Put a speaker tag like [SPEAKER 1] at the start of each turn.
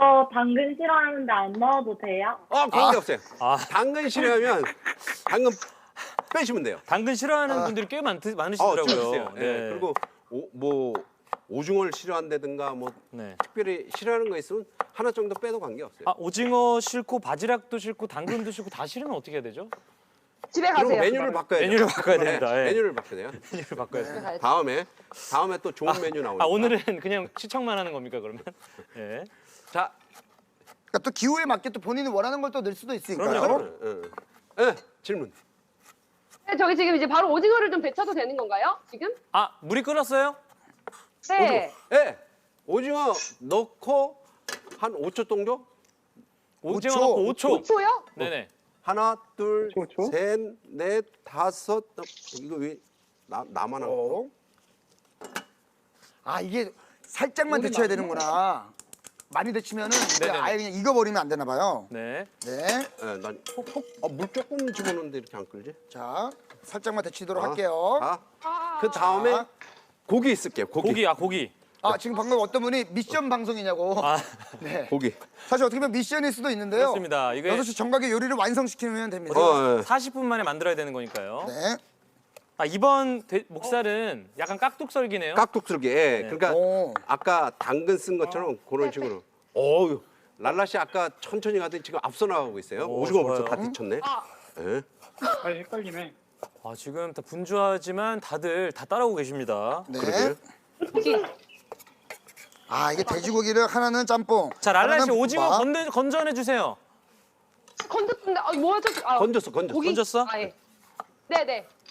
[SPEAKER 1] 당근 싫어하는데 안 넣어도 돼요?
[SPEAKER 2] 관계없어요.
[SPEAKER 3] 아.
[SPEAKER 2] 당근 싫어하면 당근 빼시면 돼요.
[SPEAKER 3] 당근 싫어하는 분들이 꽤 많으시더라고요.
[SPEAKER 2] 좀 있어요.
[SPEAKER 3] 네.
[SPEAKER 2] 예, 그리고 오징어를 싫어한다든가 뭐
[SPEAKER 3] 네.
[SPEAKER 2] 특별히 싫어하는 거 있으면 하나 정도 빼도 관계없어요.
[SPEAKER 3] 오징어 싫고 바지락도 싫고 당근도 싫고 다 싫으면 어떻게 해야 되죠?
[SPEAKER 4] 집에
[SPEAKER 2] 그럼
[SPEAKER 4] 가세요.
[SPEAKER 2] 메뉴를 바꿔야 돼요.
[SPEAKER 3] 메뉴를 바꿔야 됩니다. 예.
[SPEAKER 2] 메뉴를 바꿔야 돼요.
[SPEAKER 3] 메뉴를 바꿔야 돼요.
[SPEAKER 4] 가야지.
[SPEAKER 2] 다음에 또 좋은 메뉴 나오니까.
[SPEAKER 3] 오늘은 그냥 시청만 하는 겁니까 그러면? 예.
[SPEAKER 2] 자,
[SPEAKER 5] 그러니까 또 기호에 맞게 또 본인이 원하는 걸 또 넣을 수도 있으니까요.
[SPEAKER 3] 그럼요.
[SPEAKER 2] 질문.
[SPEAKER 4] 네, 저기 지금 이제 바로 오징어를 좀 데쳐도 되는 건가요? 지금?
[SPEAKER 3] 물이 끓었어요?
[SPEAKER 4] 네.
[SPEAKER 2] 오징어 넣고 한 5초 정도?
[SPEAKER 3] 오징어
[SPEAKER 5] 5초.
[SPEAKER 3] 넣고 5초.
[SPEAKER 4] 5초요?
[SPEAKER 3] 네네.
[SPEAKER 2] 하나, 둘,
[SPEAKER 6] 초?
[SPEAKER 2] 셋, 넷, 다섯. 이거 왜 나만 하고?
[SPEAKER 5] 이게 살짝만 데쳐야 되는구나. 많이 데치면은
[SPEAKER 3] 네네네.
[SPEAKER 5] 아예 그냥 익어버리면 안 되나 봐요.
[SPEAKER 3] 네.
[SPEAKER 5] 네.
[SPEAKER 2] 물 조금 집어넣는데 이렇게 안 끓지?
[SPEAKER 5] 자, 살짝만 데치도록
[SPEAKER 2] 아.
[SPEAKER 5] 할게요.
[SPEAKER 2] 그 다음에
[SPEAKER 5] 자.
[SPEAKER 2] 고기 있을게요. 고기.
[SPEAKER 3] 고기.
[SPEAKER 5] 지금 방금 어떤 분이 미션 방송이냐고. 네.
[SPEAKER 2] 고기.
[SPEAKER 5] 사실 어떻게 보면 미션일 수도 있는데요.
[SPEAKER 3] 그렇습니다. 이게
[SPEAKER 5] 6시 정각의 요리를 완성시키면 됩니다.
[SPEAKER 3] 40분 만에 만들어야 되는 거니까요.
[SPEAKER 5] 네.
[SPEAKER 3] 이번 목살은 약간 깍둑썰기네요.
[SPEAKER 2] 깍둑스럽게. 그러니까
[SPEAKER 5] 오.
[SPEAKER 2] 아까 당근 쓴 것처럼 그런 식으로. 랄라 씨 아까 천천히 가더니 지금 앞서 나가고 있어요. 오징어 벌써 다 데쳤네. 예.
[SPEAKER 6] 헷갈리네.
[SPEAKER 3] 지금 다 분주하지만 다들 다 따라오고 계십니다.
[SPEAKER 5] 네.
[SPEAKER 2] 그러게요.
[SPEAKER 5] 이게 돼지고기를 하나는 짬뽕.
[SPEAKER 3] 자, 랄라 씨
[SPEAKER 5] 하나는
[SPEAKER 3] 오징어
[SPEAKER 5] 볶음밥.
[SPEAKER 3] 건져내 주세요.
[SPEAKER 4] 건졌는데 뭐야 저
[SPEAKER 2] 건졌어.
[SPEAKER 4] 고기?
[SPEAKER 3] 건졌어?
[SPEAKER 4] 예. 네네.